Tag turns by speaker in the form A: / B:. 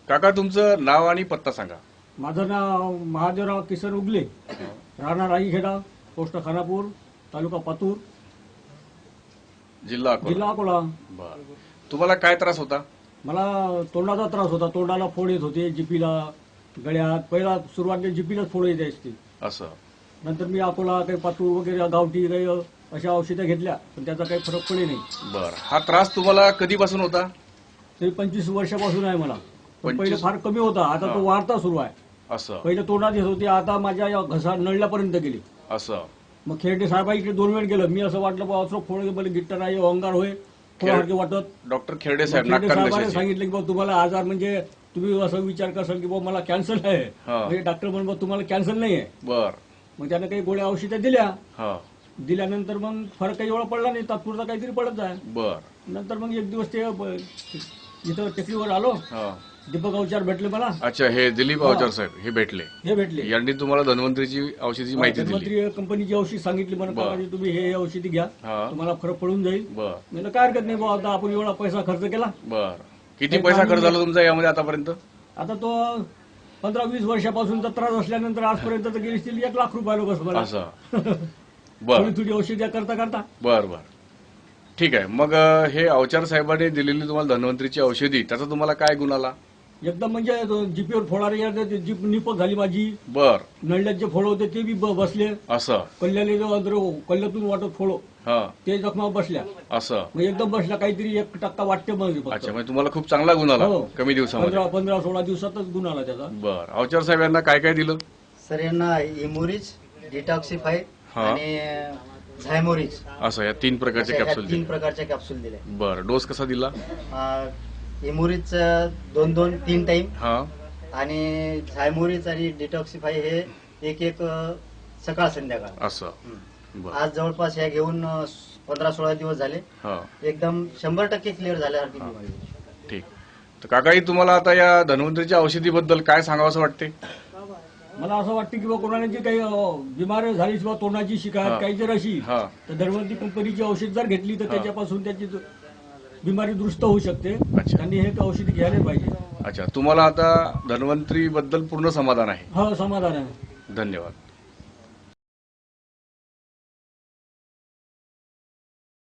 A: काका तुमचं नाव आणि पत्ता सांगा.
B: माझं नाव महादेवराव किसन उगले, राहणार राईखेडा, पोस्ट खानापूर, तालुका पातूर,
A: जिल्हा
B: जिल्हा अकोला.
A: बर. तुम्हाला काय त्रास होता?
B: मला तोंडाचा त्रास होता. तोंडाला फोड येत होते, जिपीला, गळ्यात. पहिला सुरुवातीला जिपीलाच फोड येत असते.
A: असं.
B: नंतर मी अकोला, काही पातूर वगैरे गावठी काही अशा औषधं घेतल्या, पण त्याचा काही फरक पडे नाही.
A: बर. हा त्रास तुम्हाला कधीपासून होता?
B: ते 25 वर्षापासून आहे मला. पण
A: 25?
B: पहिले फार कमी होता, आता तो वाढता सुरू आहे.
A: असं.
B: पहिले तोंडात येत होते, आता माझ्या या घसा नळल्यापर्यंत गेली.
A: असं.
B: मग खेळते साहेबांकडे 2 वेळ गेलं. मी असं वाटलं बा असं फोड मला गिट्टा नाही, अंगार होय, थोडासारखे वाटत.
A: डॉक्टर खेरडे साहेब
B: खेळते साहेबांनी
A: नागकांगशाचे.
B: सांगितलं की बा तुम्हाला आजार म्हणजे तुम्ही असं विचार करसाल की बा मला कॅन्सर आहे.
A: हा.
B: म्हणजे डॉक्टर म्हणून बा तुम्हाला कॅन्सर नाही आहे.
A: बर.
B: मग त्यानं काही गोळ्या औषधं दिल्या.
A: हा.
B: दिल्यानंतर मग फरक काही एवढा पडला नाही, तात्पुरता काहीतरी पडत आहे.
A: बर.
B: नंतर मग एक दिवस ते इथं टेकडीवर आलो,
A: हा.
B: दीपक अवचार भेटले मला.
A: अच्छा, हे दिलीप अवचार साहेब हे भेटले.
B: हे भेटले.
A: यांनी तुम्हाला धन्वंतरीची औषधाची माहिती दिली.
B: धन्वंतरी कंपनीची औषध सांगितली मला,
A: बरं.
B: काकाजी तुम्ही हे औषधी घ्या,
A: हा.
B: तुम्हाला फरक पडून जाईल.
A: बर.
B: म्हणलं काय हरकत नाही बाबा, आता आपण एवढा पैसा खर्च केला.
A: बर. किती पैसा खर्च झाला तुमचा यामध्ये आतापर्यंत?
B: आता तो 15-20 वर्षापासूनचा त्रास असल्यानंतर आजपर्यंत तर गेली असतील 1 लाख रुपये लोक मला.
A: असं. बर.
B: थोडी थोडी औषधी करता करता.
A: बर बर. ठीक आहे. मग हे अवचार साहेबांनी दिलेली तुम्हाला धन्वंतरीची औषधी त्याचा तुम्हाला काय गुण आला?
B: एकदम म्हणजे जीपीवर फोडारे जीप निपक झाली माझी.
A: बर.
B: नळल्यात जे फोड होते ते बी बसले.
A: असं.
B: कल्ल्याने कल्ल्यातून वाटत फोड
A: हा.
B: ते जखमा बसल्या.
A: असं.
B: मग एकदम बसल्या, काहीतरी 1% वाटते मग फक्त.
A: अच्छा, म्हणजे तुम्हाला खूप चांगला गुण आला
B: हो.
A: कमी दिवसामध्ये.
B: 15-16 दिवसातच गुण आला त्याचा.
A: बर. अवचार साहेब यांना काय काय दिलं?
C: सर यांना इमोरिज, डिटॉक्सिफाय
A: हा.
C: आणि झायमोरिज
A: असं या 3 प्रकारचे
C: अशा
A: कॅप्सूल
C: 3
A: दिले.
C: प्रकारच्या कॅप्सूल दिले.
A: बर. डोस कसा दिला?
C: इमोरिज 2-2-3 टाइम
A: हा.
C: आणि झायमोरिज आणि डिटॉक्सिफाय हे एक सकाळ संध्याकाळ.
A: असं. बर.
C: आज जवळपास ह्या घेऊन 15-16 दिवस झाले.
A: हा.
C: एकदम 100% क्लिअर झाल्यासारखी बिमारी.
A: ठीक. तर काकाई तुम्हाला आता या धन्वंतरीच्या औषधीबद्दल काय सांगावं असं वाटते?
B: मला असं वाटतं की बा कोणाची काही बिमारी झाली किंवा तोंडाची
A: हा.
B: शिकायत काही जर अशी,
A: हा.
B: तर धन्वंतरी कंपनीची औषध जर घेतली तर
A: हा.
B: त्याच्यापासून त्याची बिमारी दुरुस्त होऊ शकते.
A: अच्छा.
B: त्यांनी हे औषधी घ्यायला पाहिजे.
A: अच्छा, तुम्हाला आता धन्वंतरी बद्दल पूर्ण समाधान आहे?
B: हो, समाधान आहे.
A: धन्यवाद.